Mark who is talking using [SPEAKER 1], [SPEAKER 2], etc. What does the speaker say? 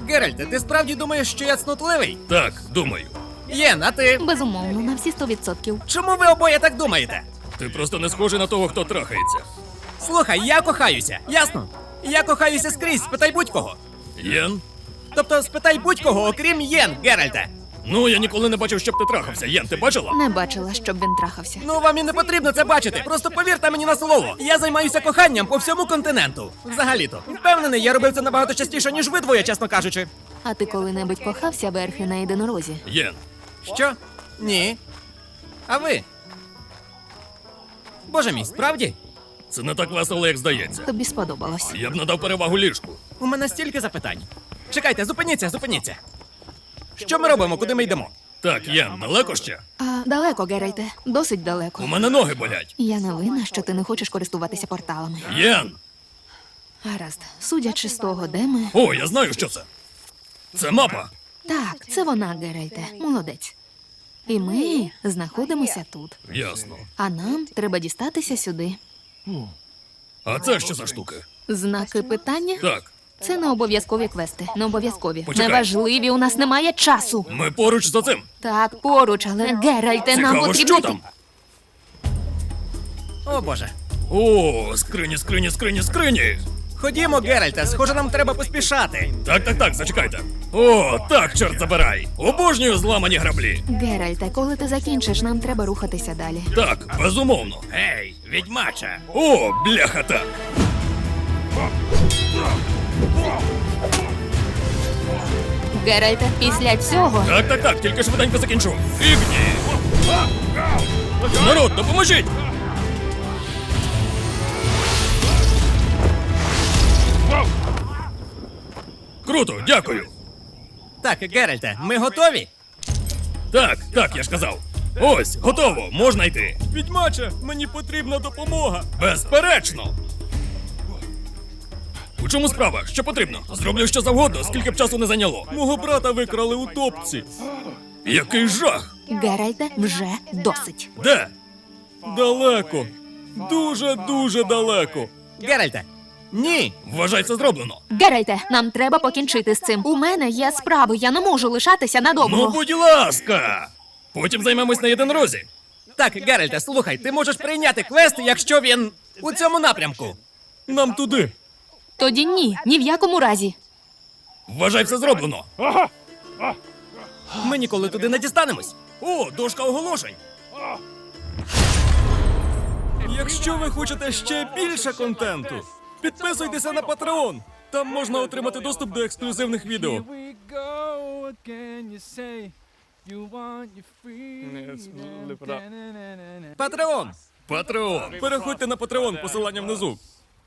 [SPEAKER 1] Геральте, ти справді думаєш, що я цнотливий?
[SPEAKER 2] Так, думаю.
[SPEAKER 1] Єн, а ти?
[SPEAKER 3] Безумовно, на всі 100%.
[SPEAKER 1] Чому ви обоє так думаєте?
[SPEAKER 2] Ти просто не схожий на того, хто трахається.
[SPEAKER 1] Слухай, я кохаюся, ясно? Я кохаюся скрізь, спитай будь-кого.
[SPEAKER 2] Єн?
[SPEAKER 1] Тобто спитай будь-кого, окрім Єн, Геральте.
[SPEAKER 2] Ну, я ніколи не бачив, щоб ти трахався. Єн, ти бачила?
[SPEAKER 3] Не бачила, щоб він трахався.
[SPEAKER 1] Ну, вам і не потрібно це бачити. Просто повірте мені на слово. Я займаюся коханням по всьому континенту. Взагалі-то. Впевнений, я робив це набагато частіше, ніж ви двоє, чесно кажучи.
[SPEAKER 3] А ти коли-небудь кохався верхи на єдинорозі?
[SPEAKER 2] Єн.
[SPEAKER 1] Що? Ні. А ви? Боже мій, справді?
[SPEAKER 2] Це не так весело, як здається.
[SPEAKER 3] Тобі сподобалось.
[SPEAKER 2] Я б надав перевагу ліжку.
[SPEAKER 1] У мене стільки запитань. Чекайте, зупиніться. Що ми робимо, куди ми йдемо?
[SPEAKER 2] Так, Єн, далеко ще?
[SPEAKER 3] А далеко, Геральте. Досить далеко.
[SPEAKER 2] У мене ноги болять.
[SPEAKER 3] Я не винна, що ти не хочеш користуватися порталами.
[SPEAKER 2] Єн!
[SPEAKER 3] Гаразд, судячи з того, де ми.
[SPEAKER 2] О, я знаю, що це. Це мапа.
[SPEAKER 3] Так, це вона, Геральте. Молодець. І ми знаходимося тут.
[SPEAKER 2] Ясно.
[SPEAKER 3] А нам треба дістатися сюди.
[SPEAKER 2] А це що за штуки?
[SPEAKER 3] Знаки питання?
[SPEAKER 2] Так,
[SPEAKER 3] Це не обов'язкові квести. Не обов'язкові.
[SPEAKER 2] Почекай.
[SPEAKER 3] Неважливі, у нас немає часу.
[SPEAKER 2] ми поруч за цим.
[SPEAKER 3] Так, поруч, але Геральте, нам
[SPEAKER 2] Цікаво,
[SPEAKER 3] потрібно.
[SPEAKER 2] що там?
[SPEAKER 1] О, Боже.
[SPEAKER 2] О, скрині.
[SPEAKER 1] Ходімо, Геральте, схоже, нам треба поспішати.
[SPEAKER 2] Так, зачекайте. О, так, чорт забирай. Обожнюю зламані граблі.
[SPEAKER 3] Геральте, коли ти закінчиш, нам треба рухатися далі.
[SPEAKER 2] Так, безумовно.
[SPEAKER 1] Гей, відьмача.
[SPEAKER 2] О, бляха, так.
[SPEAKER 3] Геральте, після цього.
[SPEAKER 2] Так, тільки швиденько закінчу. Ігні! Народ, допоможіть! Круто, дякую.
[SPEAKER 1] Так, Геральте, ми готові?
[SPEAKER 2] Так, я ж казав. Ось, готово, можна йти.
[SPEAKER 1] Відьмача, мені потрібна допомога.
[SPEAKER 2] Безперечно. У чому справа? Що потрібно? Зроблю що завгодно, скільки б часу не зайняло.
[SPEAKER 1] Мого брата викрали у топці.
[SPEAKER 2] Який жах!
[SPEAKER 3] Геральте, вже досить.
[SPEAKER 2] Де?
[SPEAKER 1] Далеко. Дуже далеко. Геральте, ні.
[SPEAKER 2] Вважай, це зроблено.
[SPEAKER 3] Геральте, нам треба покінчити з цим. У мене є справи, я не можу лишатися надовго.
[SPEAKER 2] Ну, будь ласка! Потім займемось на єдинорозі.
[SPEAKER 1] Так, Геральте, слухай, ти можеш прийняти квест, якщо він у цьому напрямку. Нам туди.
[SPEAKER 3] Тоді ні в якому разі.
[SPEAKER 2] Вважай, все зроблено.
[SPEAKER 1] Ми ніколи туди не дістанемось. О, дошка оголошень. Якщо ви хочете ще більше контенту, підписуйтеся на Patreon. Там можна отримати доступ до ексклюзивних відео.
[SPEAKER 4] Here we go again, you say you want your freedom.
[SPEAKER 1] Patreon.
[SPEAKER 2] Патреон.
[SPEAKER 1] Переходьте на Patreon, посилання внизу.